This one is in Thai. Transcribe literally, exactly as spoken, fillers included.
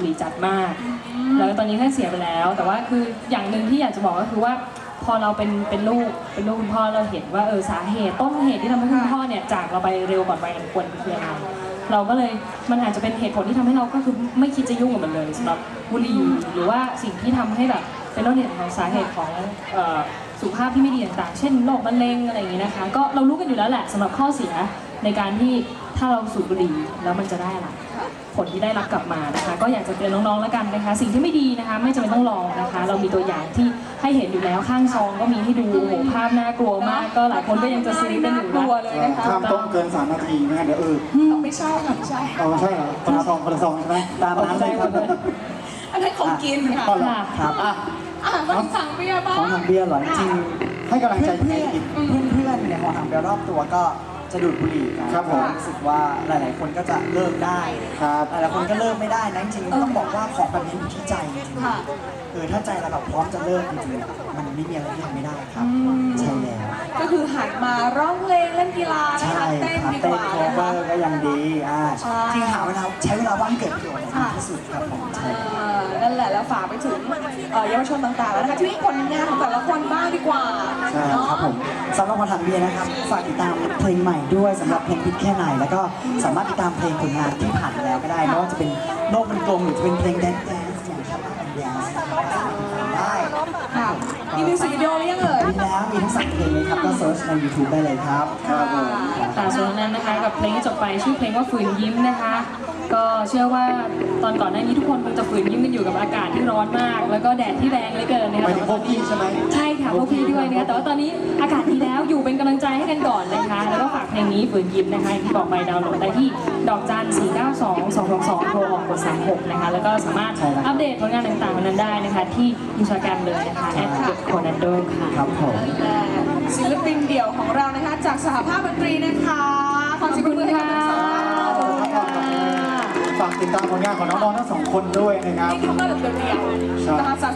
หรี่จัดมากแล้วตอนนี้ท่านเสียไปแล้วแต่ว่าคืออย่างหนึ่งที่อยากจะบอกก็คือว่าพอเราเป็นเป็นลูกเป็นลูกคุณพ่อเราเห็นว่าเออสาเหตุต้นเหตุที่ทำให้คุณพ่อเนี่ยจากเราไปเร็วก่อนวัยอันควรคืออะไรเราก็เลยมันอาจจะเป็นเหตุผลที่ทำให้เราก็คือไม่คิดจะยุ่งกับมันเลยสำหรับบุหรี่หรือว่าสิ่งที่ทำให้แบบเป็นต้นเหตุของสาเหตุของสุขภาพที่ไม่ดีต่างๆเช่นโรคมะเร็งอะไรอย่างนี้นะคะก็เรารู้กันอยู่แล้วแหละสำหรับข้อเสียในการที่ถ้าเราสูบบุหรี่แล้วมันจะได้อะไรผลที่ได้รับกลับมานะคะก็อยากจะเตือนน้องๆแล้วกันนะคะสิ่งที่ไม่ดีนะคะไม่จำเป็นต้องลองนะคะเรามีตัวอย่างที่ให้เห็นอยู่แล้วข้างซองก็มีให้ดูโอ้โหภาพน่ากลัวมากก็หลายคนก็ยังจะซื้อกันอยู่กลัวเลยนะคะข้ามต้มเกินสามนาทีนะเดี๋ยวเออไม่ใช่ค่ะไม่ใช่เอาใช่เหรอคนละซองคนละซองใช่ไหมตามน้ำเลยครับอันนั้นของกินค่ะค่ะครับอ่ะอ่ะมาถึงสั่งเบียร์บ้างของทางเบียร์เหรอจริงให้กำลังใจเพื่เพื่ออน นเพื่อนเพื่อนๆเนี่ยของทางเบียร์รอบตัวก็จะดูดบุหรี่กันครับผมรู้สึกว่าหลาย ๆ คนก็จะเลิกได้ครับหลายๆคนก็เลิกไม่ได้นะจริงๆต้องบอกว่าของแบบนี้อยู่ที่ใจจริงค่ะๆเออถ้าใจเราแบบพร้อมจะเลิกจริงๆมันไม่มีอะไรที่ทำไม่ได้ครับใช่แล้วก็คือหันมาร้องเพลงเล่นกีฬานะใช่คะเต้นครับดีกเต้นว่าโคนะเวอคะร์ก็ยังดีอ่าใช่จริงหาเวลาใช้เวลาว่างเกิดประโยชน์ให้ดีที่สุดครับผมใช่เอ่อนั่นแหละแล้วฝากไปถึงเอ่อเยาวชนต่างๆแล้วนะคะที่มีผลงานของแต่ละคนบ้างดีกว่าใช่ครับผมสำหรับคนทางเบียร์นะครับฝากติดตามเพลงใหม่ด้วยสำหรับเพลงพิษแค่ไหนแล้วก็สามารถติดตามเพลงผลงานที่ผ่านมาแล้วก็ได้ไม่ว่าจะเป็นโลกมันกลมหรือจะเป็นเพลงแดนซ์แดนซ์อย่างชาวบ้านแดนซ์ได้ค่ะมีมิวสิกวิดีโอหรือยังเอ่ยมีแล้วมีทั้งสามเพลงเลยครับก็เซิร์ชใน ยูทูบ ได้เลยครับครับผมค่ะส่วนนั้นนะคะกับเพลงที่จบไปชื่อเพลงว่าฝืนยิ้มนะคะ ก็เชื่อว่าตอนก่อนหน้านี้ทุกคนคงจะฝืนยิ้มกันอยู่กับอากาศที่ร้อนมาก แล้วก็แดดที่แรงเหลือเกินนะหคะมายถึงพวกพี่ใช่ไหมใช่ค่ะพวกพี่ด้วยนะคะแต่ว่าตอนนี้อากาศดีแล้วอยู่เป็นกำลังใจให้กันก่อนนะคะ แล้วก็ฝากเพลงนี้ฝืนยิ้มนะคะอย่างที่บอกไปดาวน์โหลดได้ที่ดอกจันสี่เก้าสองสองสองสองโทรออกกดสามหกนะคะแล้วก็สามารถอัปเดตผลงานต่างๆของนั้นได้นะคะที่อินสตาแกรมเลยนะคะแอดโคนันโดค่ะครับผมและศิลปินเดี่ยวของเรานะคะ จากสหภาพดนตรีนะคะขอเสียงปรบมือให้กับทั้งสองท่านขอบคุณครับฝากติดตามผลงานของน้องๆทั้งสองคนด้วยนะครับนี่เขามาแบบเดี่ยวๆนะคะ